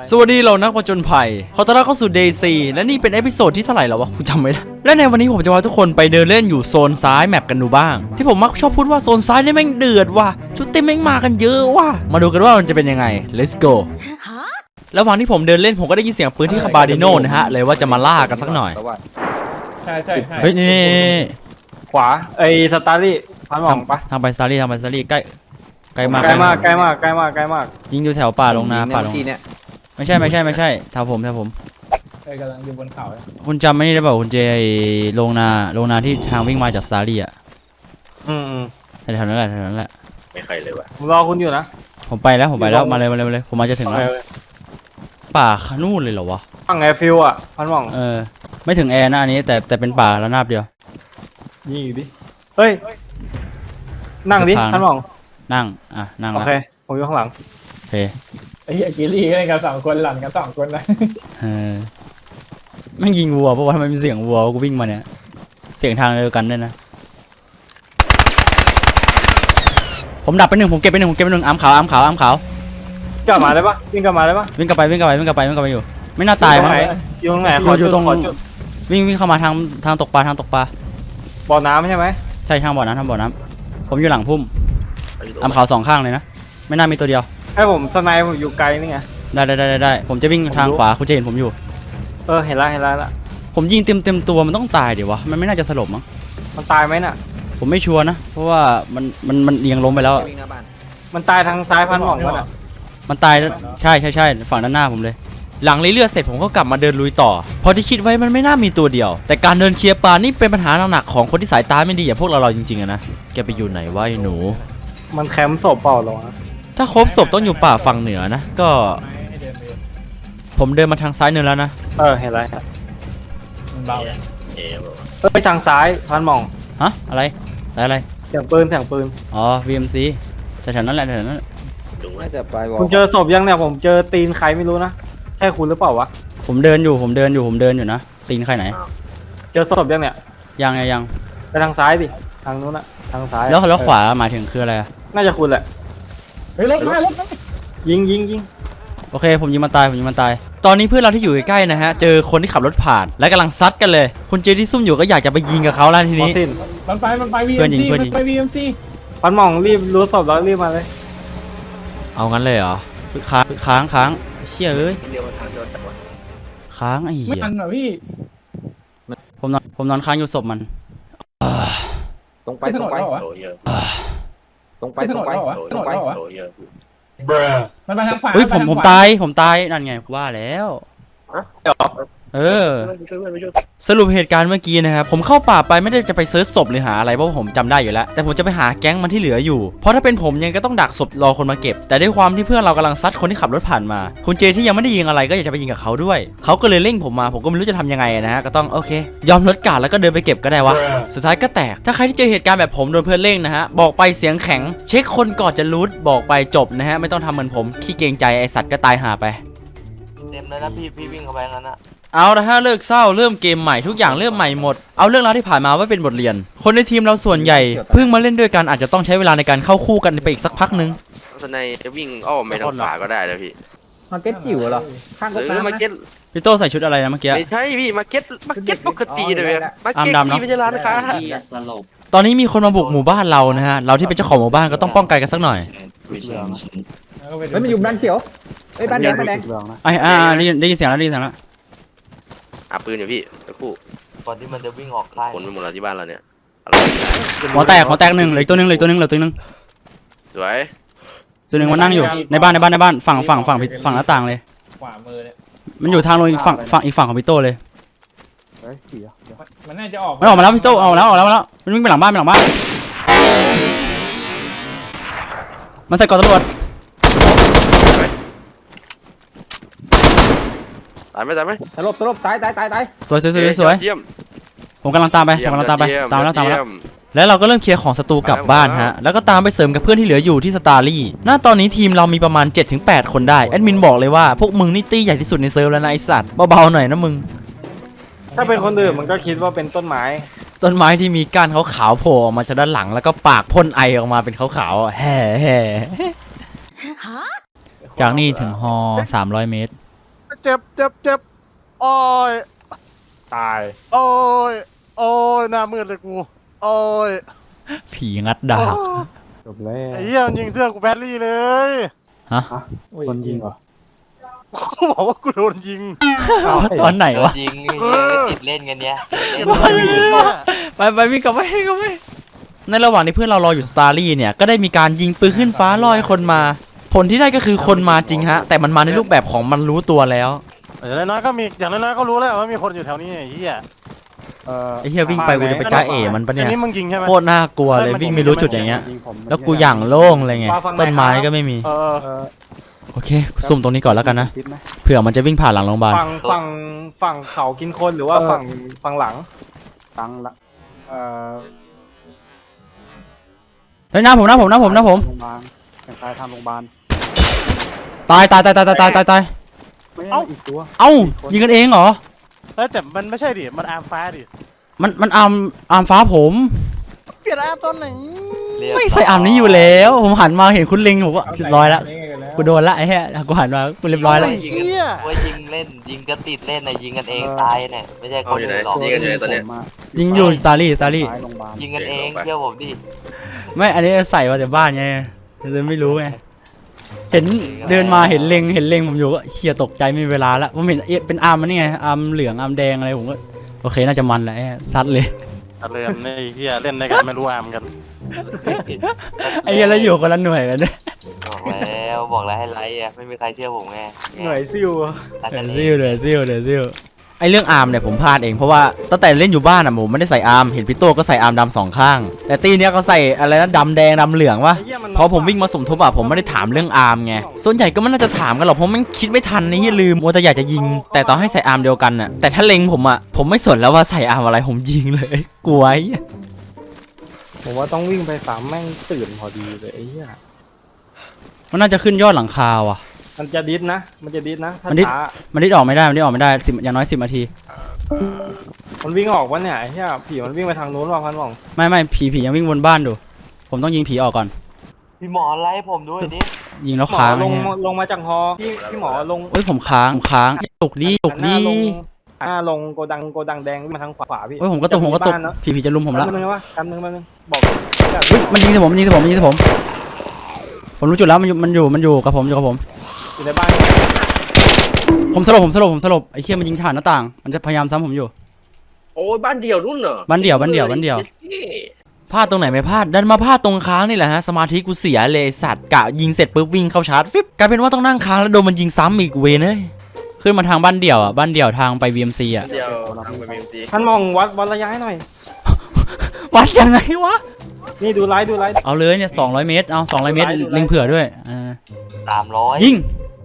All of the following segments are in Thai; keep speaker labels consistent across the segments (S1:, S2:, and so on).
S1: สวัสดีเรานักผจญภัยขอต้อนรับเข้าสู่ Day 4และนี่เป็นเอพิโซดที่เท่าไหร่แล้ววะกูจำไม่ได้และในวันนี้ผมจะพาทุกคนไปเดินเล่นอยู่โซนซ้ายแมปกันดูบ้างที่ผมมักชอบพูดว่าโซนซ้ายนี่แม่งเดือดว่ะชุดเต็มแม่งมากันเยอะว่ะมาดูกันว่ามันจะเป็นยังไง let's go ระหว่างที่ผมเดินเล่นผมก็ได้ยินเสียงปืนที่คาบาดิโนนะฮะเลยว่าจะมาล่ากันสักหน่อย
S2: ใช่
S1: เฮ้ยนี่
S2: ขวาไอ้สตาร์ลี่พันหม่องปะ
S1: ทางไปสตาร์ลี่ใกล้มากยิงอยู่แถวป่าลงนาป่าลงไม่ใช่แถวผม
S2: กำลังอยู่บนเขา
S1: คุณจำไม่ได้เปล่าคุณเจโรงนาที่ทางวิ่งมาจากสตาร์ลี่อ่ะแถวนั้นแหละ
S3: ไม่ใครเลยว่ะ
S2: ผมรอคุณอยู่นะ
S1: ผมไปแล้วมาเลยผมมาจะถึงแล้วป่านู่นเลยเหรอวะ
S2: ฝั่งแอร์ฟิลอ่ะพันหม่อง
S1: ไม่ถึงแอร์นะอันนี้แต่เป็นป่าระนาบเดียว
S2: นี่ดิเฮ้ยนั่งดิพันหม่อง
S1: นั่ง
S2: โอเคผมอยู่ข้างหลัง
S1: โอเค
S2: ไอ้กิลี่ก็เล่นกัน2 คนหลังกัน2 คนนะ
S1: แม่งยิงวัวเพราะว่าทำไมมีเสียงวัวกูวิ่งมาเนี่ยเสียงทางเดียวกันด้วยนะผมดับไป1ผมเก็บไป1อ้ำขาว
S2: กลับมาได้ปะวิ่งกลับมาได้ปะ
S1: วิ่งกลับไปอยู่ไม่น่าตายมั้ง
S2: อยู่ตรงไหน
S1: อยู่ตรงวิ่งเข้ามาทางตกปลา
S2: บ่อน้ำใช่ไหม
S1: ใช่ทางบ่อน้ำผมอยู่หลังพุ่มอ้ำขาว2ข้างเลยนะไม่น่ามีตัวเดียว
S2: ให้ผมสไนป์ผมอยู่ไกลนี่ไง
S1: ได้ผมจะวิ่งทางขวาคุณจะเห็นผมอยู่
S2: เห็นแล้ว
S1: ผมยิงเต็มตัวมันต้องตายเดี๋ยววะมันไม่น่าจะสลบมั้ง
S2: มันตายไหมน่ะ
S1: ผมไม่ชัวร์นะเพราะว่ามันเอียงล้มไปแล้ว
S2: มันตายทางซ้ายพันหม่องวะ
S1: มันตายใช่ฝั่งด้านหน้าผมเลยหลังเลือดเสร็จผมก็กลับมาเดินลุยต่อเพราะที่คิดไว้มันไม่น่ามีตัวเดียวแต่การเดินเคลียร์ปลานี่เป็นปัญหาหนักๆของคนที่สายตาไม่ดีอย่างพวกเราจริงๆอะนะแกไปอยู่ไหนวะไอ้หนู
S2: มันแคมป์ศพเปล่าหรอ
S1: ถ้าครบศพต้องอยู่ป่าฝั่งเหนือนะก็ผมเดินมาทางซ้ายเนินแล้วนะ
S2: เห็นแล้ว
S3: มันเบา
S2: ไปทางซ้ายพันหม่อง
S1: ฮะอะไร
S2: เสียงปืน
S1: อ๋อ VMC แถวนั้นแหละ
S3: น่าจะไป
S2: คุณเจอศพยังเนี่ยผมเจอตีนใครไม่รู้นะใช่คุณหรือเปล่าวะ
S1: ผมเดินอยู่นะตีนใครไหน
S2: เจอศพยังเนี่ย
S1: ยัง
S2: ไปทางซ้ายดิทางนู้นนะทางซ้าย
S1: แล้วขวาหมายถึงคืออะไร
S2: น่าจะคุณแหละเฮ้ยรถมายิง
S1: โอเคผมยิงมันตายตอนนี้เพื่อนเราที่อยู่ใกล้ๆนะฮะเจอคนที่ขับรถผ่านและกำลังซัดกันเลยคุณเจที่ซุ่มอยู่ก็อยากจะไปยิงกับเขาแล้วทีนี้
S2: มันไป
S1: VMC
S2: ไป VMC พันหม่องรีบรู้ศพแล้วรีบมาเลย
S1: เอางั้นเลยเหรอค้างเชี่ยเอ้ยค้างไอ้เหี้ย
S2: ไม่ทันเหรอพี่
S1: ผมนอนค้างอยู่ศพมัน
S3: ตรงไปโอ้เยอะตรงไปโอ้เยอะ
S2: มันมาทางขวา
S1: ผมตายนั่นไงว่าแล้วสรุปเหตุการณ์เมื่อกี้นะครับผมเข้าป่าไปไม่ได้จะไปเซิร์ชศพหรือหาอะไรเพราะผมจำได้อยู่แล้วแต่ผมจะไปหาแก๊งมันที่เหลืออยู่เพราะถ้าเป็นผมยังก็ต้องดักศพรอคนมาเก็บแต่ด้วยความที่เพื่อนเรากำลังซัดคนที่ขับรถผ่านมาคุณเจที่ยังไม่ได้ยิงอะไรก็อยากจะไปยิงกับเขาด้วยเขาก็เลยเร่งผมมาผมก็ไม่รู้จะทำยังไงนะฮะก็ต้องโอเคยอมลดการแล้วก็เดินไปเก็บก็ได้วะสุดท้ายก็แตกถ้าใครที่เจอเหตุการณ์แบบผมโดนเพื่อนเร่งนะฮะบอกไปเสียงแข็งเช็คคนก่อนจะรูทบอกไปจบนะฮะไม่ต้องทำเหมือนผมขี้เกรงใจไอสัตว์ก็ตายหาไป
S3: เต็มเลยนะพี่วิ่งเข้าไปงั้นนะ
S1: เอาละฮะเลิกเศร้าเริ่มเกมใหม่ทุกอย่างเริ่มใหม่หมดเอาเรื่องราวที่ผ่านมาไว้เป็นบทเรียนคนในทีมเราส่วนใหญ่เพิ่งมาเล่นด้วยกันอาจจะต้องใช้เวลาในการเข้าคู่กันไปอีกสักพักนึง
S3: สนายจะวิ่งอ้อมไปทางขวาก็ได้นะพี่
S2: มาเก็ตจิ๋วเหรอข้างก็ตาม
S3: มาเก็ต
S1: พี่โตใส่ชุดอะไรนะเมื่อกี้
S3: ไม่ใช่พี่มาเก็ตปกติเลยมาเก็ตที่ไม่ใช่ร้านค้า
S1: ตอนนี้มีคนมาบุกหมู่บ้านเรานะฮะเราที่เป็นเจ้าของหมู่บ้านก็ต้องป้องกันกันสักหน่อย
S2: แล้วมันอยู่บ้านเขียวบ้านแดง
S1: ได้ยินเสียงแล้ว
S3: ปืนอยู่พี่ตะคู่
S4: ก่อนที่มันจะวิ่งออกค่าย
S3: คนไปหมดแล้วที่บ้านเราเนี่ย
S1: หัวแตก1เหลือตัวนึง
S3: สวย
S1: ตัวนึงมันนั่งอยู่ในบ้านฝั่งหน้าต่างเลย
S2: ขวามือเนี่ย
S1: มันอยู่ทางลงอีกฝั่งของพี่โตเลย
S2: มันน่าจะออก
S1: มาแล้วพี่โตเอาแล้วมันวิ่งไปหลังบ้านมันใส่กอดตำรวจ
S3: ตายไหม
S2: ตลบตาย
S1: สวยผมกำลังตามไปตามแล้วแล้วเราก็เริ่มเคลียร์ของศัตรูกลับบ้านฮะแล้วก็ตามไปเสริมกับเพื่อนที่เหลืออยู่ที่สตาร์ลี่ณตอนนี้ทีมเรามีประมาณ 7-8 คนได้แอดมินบอกเลยว่าพวกมึงนี่ตี้ใหญ่ที่สุดในเซิร์ฟแล้วนะไอสัตว์เบาๆหน่อยนะมึง
S2: ถ้าเป็นคนอื่นมันก็คิดว่าเป็นต้นไม้
S1: ที่มีก้านขาวๆโผล่ออกมาจากด้านหลังแล้วก็ปากพ่นไอออกมาเป็นขาวๆแห่จากนี่ถึงฮอ300 เมตร
S5: เจ็บเจ็บเจ็บโอ้ย
S2: ตาย
S5: โอ้ยโอ้ยหน้ามืดเลยกูโอ้ย
S1: ผีงัดดาบ
S2: จบแล้ว
S5: ไอ้เหี้ยมันยิงเสื้อกูแบตลี่เลย
S1: ฮะ
S2: คนยิงเหรอ
S5: กูบอกว่ากูโดนยิง
S1: ตอนไหนวะ
S4: ยิงติดเล่นกันเนี้ย
S1: ไปวิ่งกลับไปในระหว่างที่เพื่อนเรารออยู่สตาร์ลี่เนี่ยก็ได้มีการยิงปืนขึ้นฟ้าลอยคนมา ผลที่ได้ก็คือคนมาจริงฮะแต่มันมาในรูปแบบของมันรู้ตัวแล้ว
S5: อย่างน้อยๆก็มีอย่างน้อยๆก็รู้แล้วว่ามีคนอยู่แถวนี้ไอ้เหี้ย
S1: ไอ้เหี้ยวิ่งไปกูจะไปจ้าเอ๋มันปะเนี่ย
S5: อันนี้มึงยิงใช่ไหม
S1: โคตรน่ากลัวเลยวิ่งไม่รู้จุดอย่างเงี้ยแล้วกูอย่างโล่งเลยไงต้นไม้ก็ไม่มี โอเคซุ่มตรงนี้ก่อนแล้วกันนะเผื่อมันจะวิ่งผ่านหลังโรงพยาบาล
S2: ฝั่งเขากินคนหรือว่าฝั่งหลังละ
S1: เฮ้ยหน้าผม
S2: โรงพยาบาลแต่งกายทำโรงพยาบาล
S1: ตาย
S2: ไม่ใช่อีกตัว
S1: เอ้ายิงกันเองเหรอ
S5: เฮ้ยแต่มันไม่ใช่ดิมันอาร์มฟ้าดิ
S1: มันอาร์มฟ้าผม
S5: เปลี่ยนอาร์มตอนไหน
S1: ไม่ใส่อาร์มนี้อยู่แล้ว ผมหันมาเห็นคุณลิงผมก็เรียบร้อยแล้วกูโดนละไอ้เหี้ยกูหันมากูเรียบร้อยแล้ว
S5: ไอ้เหี้ย
S4: ว่ายิงเล่นยิงก็ติดเล่นนะยิงกันเองตายเนี่ยไม่ใช่คนอื่นหรอก
S3: ยิงกันอยู่ไหนตอนเนี้ย
S1: ยิงอยู่สตาร์ลี่
S4: ยิงกันเองเชื่อผมดิ
S1: ไม่อันนี้ใส่มาแต่บ้านไงเลยไม่รู้ไงเห็นเดินมาเห็นเล็งผมอยู่ก็เชียตกใจไม่มีเวลาละผมเห็นเป็นอาร์มมันนี่ไงอาร์มเหลืองอาร์มแดงอะไรผมก็โอเคน่าจะมันแหละซัดเลย
S5: อะไรกันไอ้เหี้ยเล่นได้กันไม่รู้อาร์มกัน
S1: ไอ้เหี้ยแล้วอยู่คนละหน่วยกันด้วย
S4: บอกแล้วให้ไลค์อ่ะไม่มีใครเชื่อผมไง
S2: หน่วยซิว
S4: รักกันเอ
S1: ซิ
S4: ง
S1: วเลยซิวไอเรื่องอาร์มเนี่ยผมพลาดเองเพราะว่าตั้งแต่เล่นอยู่บ้านอ่ะผมไม่ได้ใส่อาร์มเห็นพี่โต้ก็ใส่อาร์มดำสองข้างแต่ตีเนี้ยเขาใส่อะไรนะดำแดงดำเหลืองวะพอผมวิ่งมาสมทบอ่ะผมไม่ได้ถามเรื่องอาร์มไงส่วนใหญ่ก็ไม่น่าจะถามกันหรอกเพราะมันคิดไม่ทันนี่ลืมมัวแต่อยากจะยิง แต่ตอนให้ใส่อาร์มเดียวกันอ่ะแต่ถ้าเล็งผมอ่ะผมไม่สนแล้วว่าใส่อาร์มอะไรผมยิงเลยกลัว
S2: ผมว่าต้องวิ่งไปสามแม่งตื่นพอดีเลยไอ้เหี้ย
S1: มันน่าจะขึ้นยอดหลังคาว่ะ
S2: มันจะดิสนะถ้า
S1: มันดิส
S2: ช้า
S1: มันดิ้นออกไม่ได้10อย่างน้อย10นาที
S2: มันวิ่งออกวะเนี่ยไอ้เหี้ยผีมันวิ่งไปทางนู้นว่ะพันหว่อง
S1: ไม่ผียังวิ่งวนบ้านดูผมต้องยิงผีออกก่อน
S4: พี่หมอไล่ผมด้วยดิ
S1: ยิงแล้ว
S2: หมอ
S1: ค้าง
S2: ลง
S1: เนี่ย
S2: ลงมาจากฮอพี่หมอลง
S1: เอ้ยผมค้างตกดี
S2: หน้าลงโกดังแดงวิ่งมาทางขวาพี่
S1: เอ้ยผมก็ตกผีจะลุมผมละ
S2: แป๊บนึงนะวะแป๊บนึงบอก
S1: เฮ้ยมันยิงใส่ผมผมรู้จุดแล้วมันอยู่กับผม
S2: อยู่ในบ้าน
S1: ผมสลบไอ้เชี่ยมันยิงผ่านหน้าต่างมันจะพยายามซ้ำผมอยู่
S3: โอ้ยบ้านเดี่ยวนู่นเหรอ
S1: บ้านเดี่ยวพลาดตรงไหนไม่พลาดดันมาพลาดตรงค้างนี่แหละฮะสมาธิกูเสียเลยสัตว์กะยิงเสร็จปุ๊บวิ่งเข้าชาร์จฟิบกลายเป็นว่าต้องนั่งค้างแล้วโดนมันยิงซ้ำอีกเวนเลยขึ้นมาทางบ้านเดี่ยวอ่ะบ้านเดี่ยวทางไป VMC อ่ะ
S3: เดี่ยวทางไปบีมซี
S2: ท่านมองวัดระยะให้หน่อย
S1: วัดยังไงวะ
S2: นี่ดูไลฟ์
S1: เอาเลยเนี่ย200 เมตรเอา200 เมตรเล็งเผื่อด้วย
S4: 300
S1: ยิง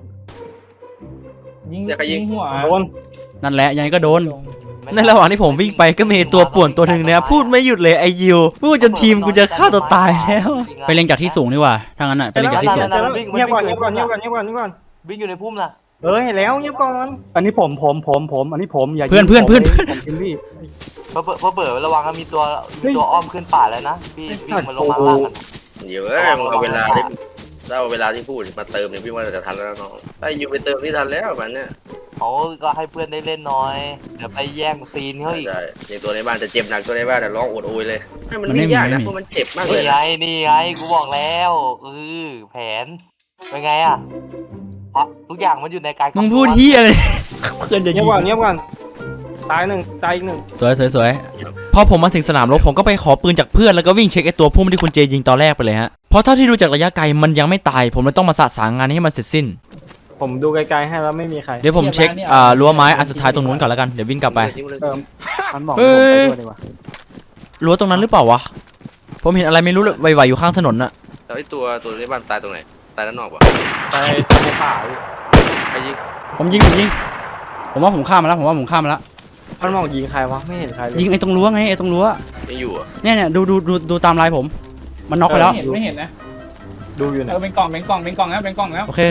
S2: ยิงหัวโดน
S1: นั่นแหละยังไงก็โดนในระหว่างที่ผมวิ่งไปก็มีตัวป่วนตัวหนึ่งเนี่ยพูดไม่หยุดเลยไอยิวพูดจนทีมกูจะฆ่าตัวตายแล้วไปเล็งจากที่สูงดีกว่าถ้างั้นอ่ะไปเล็งจากที่สูง
S2: เงียบก่อน
S4: วิ่งอยู่ในพุ่มนะ
S2: เห็นแล้วเงียบก่อนอันนี้ผมอันนี้ผมอย่า
S1: เพื่อน
S2: ผมกินพี่
S4: เปิดระวังมีตัวอ้อมขึ้นป่าแล้วนะพี่วิ่งมาลงมาล่างกัน
S3: เดี๋ยวมึงเอาเวลาที่พูดมาเติมเนี่ยพี่ว่าจะทันแล้วน้องถ้าอยู่ไปเติมที่ทันแล้วมันเนี่ย
S4: เขาก็ให้เพื่อนได้เล่นน้อยเดี๋ยวไปแย่งซีนเขาอีก
S3: ใช่ในตัวในบ้านจะเจ็บหนักตัวในบ้านแต่ร้องโอดโอยเลยมันไม่ยากนะเพราะมันเจ็บมากเลย
S4: นี่ไงกูบอกแล้วแผนเป็นไงอ่ะทุกอย่างมันอยู่ในการ
S1: มึงพูดที่อะไรเพื่อนจะ
S2: เงี
S1: ยิ
S2: ยบ
S1: ง
S2: ก่อนตายอีกหนึ่ง
S1: สวยพอผมมาถึงสนามรบผมก็ไปขอปืนจากเพื่อนแล้วก็วิ่งเช็คไอตัวพุ่มที่คุณเจยิงตอนแรกไปเลยฮะเพราะเท่าที่ดูจากระยะไกลมันยังไม่ตายผมเลยต้องมาสะสางงานให้มันเสร็จสิ้น
S2: ผมดูไกลๆให้แล้วไม่มีใคร
S1: เดี๋ยวผมเช็ครั้วไม้อันสุดท้ายตรงนู้นก่อนแล้วกันเดี๋ยววิ่งกลับไป
S2: มันบอก
S1: เฮ้ยรั้วตรงนั้นหรือเปล่าวะผมเห็นอะไรไม่รู้เลยไหวๆอยู่ข้างถนนน่ะ
S3: แล้วไอ้ตัวในบ้านตายตรงไหนตายด้านนอกวะ
S2: ตายในป่า
S3: ไอ้ยิง
S1: ผมยิงผมว่าผมข้ามมาแล้ว
S2: มันมองยิงใครวะไม่เห็นใครเลย
S1: ยิงไอ้ตรงรั้วไงไอ้ตรงรั้ว
S3: ไม่อยู่อ่ะ
S1: เนี่ยดูตามลายผมมันน็อกไปแล้ว
S6: ไม่เห็นนะ
S2: ดูอยู่ไหน
S6: เป็นกล่องแล้ว
S1: โอเค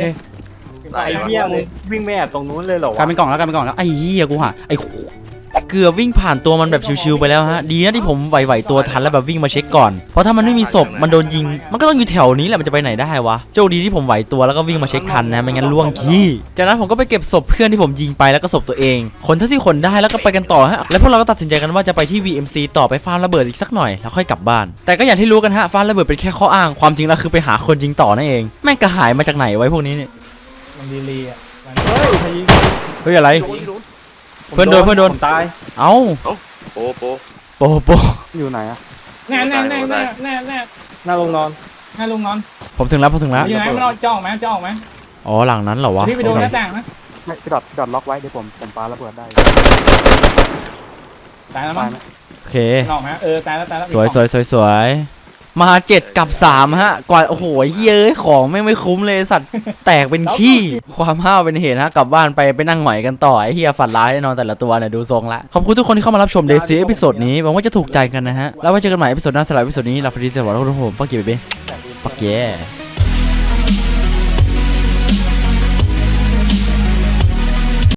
S2: ไอ้เหี้ยมึงวิ่งไม่แอบตรงนู้นเลยเหรอก
S1: ลายเป็นกล่องแล้วไอ้เหี้ยกูหาไอ้เกือบวิ่งผ่านตัวมันแบบชิวๆไปแล้วฮะดีนะที่ผมไหวๆตัวทันแล้วแบบวิ่งมาเช็คก่อนเพราะถ้ามันไม่มีศพมันโดนยิงมันก็ต้องอยู่แถวนี้แหละมันจะไปไหนได้วะโชคดีที่ผมไหวตัวแล้วก็วิ่งมาเช็คทันนะไม่งั้นล่วงขี้จากนั้นผมก็ไปเก็บศพเพื่อนที่ผมยิงไปแล้วก็ศพตัวเองขนเท่าที่ขนได้แล้วก็ไปกันต่อฮะแล้วพวกเราก็ตัดสินใจกันว่าจะไปที่ VMC ต่อไปฟาร์มระเบิดอีกสักหน่อยแล้วค่อยกลับบ้านแต่ก็อย่างที่รู้กันฮะฟาร์มระเบิดเป็นแค่ข้ออ้างความจริงแล้วคือไปหาคนยิงต่อนั่นเองแม่งกระหายมาจากไหนไว้พวกนี้เนี่ย
S2: มันดีลีอ่ะเฮ้ยใครยิง
S1: เฮ้ยอะไร เพื่อนโดน
S2: ผมตาย
S1: เอ้า
S3: โป๊ะ
S1: โป
S2: อยู่ไหนอะ
S6: แน่แน่แน่แน่แน่แน่
S2: หน้าโรงนอน
S6: แน่ลุงนอน
S1: ผมถึงแล้ว
S6: อยู่ไหนมันจะออกไหมจะออกไหม
S1: อ๋อหลังนั้นเหรอวะ
S6: พี่ไปดูหน้าต่างนะ
S2: ไม่พี่ดอดล็อกไว้เดี๋ยวผมปาระเบิดได้
S6: ตายแล้วมั้ง
S1: โอเค
S6: ออกไหมตายแล้วตายแล้ว
S1: สวยมา7 กับ 3ฮะกว่าโอ้โหเย้ยของไม่คุ้มเลยสัตว์แตกเป็นขี้ความห้าวเป็นเหตุฮะกลับบ้านไปนั่งหงอยกันต่อไอ้เฮียฝันร้ายแน่นอนแต่ละตัวเนี่ยดูทรงละขอบคุณทุกคนที่เข้ามารับชมเดซี่เอพิโซดนี้หวังว่าจะถูกใจกันนะฮะแล้วไว้เจอกันใหม่เอพิโซดหน้าสำหรับเอพิโซดนี้ลาฟรีสวัสดีทุกคนฟักกี้เบบี้ฟักเย่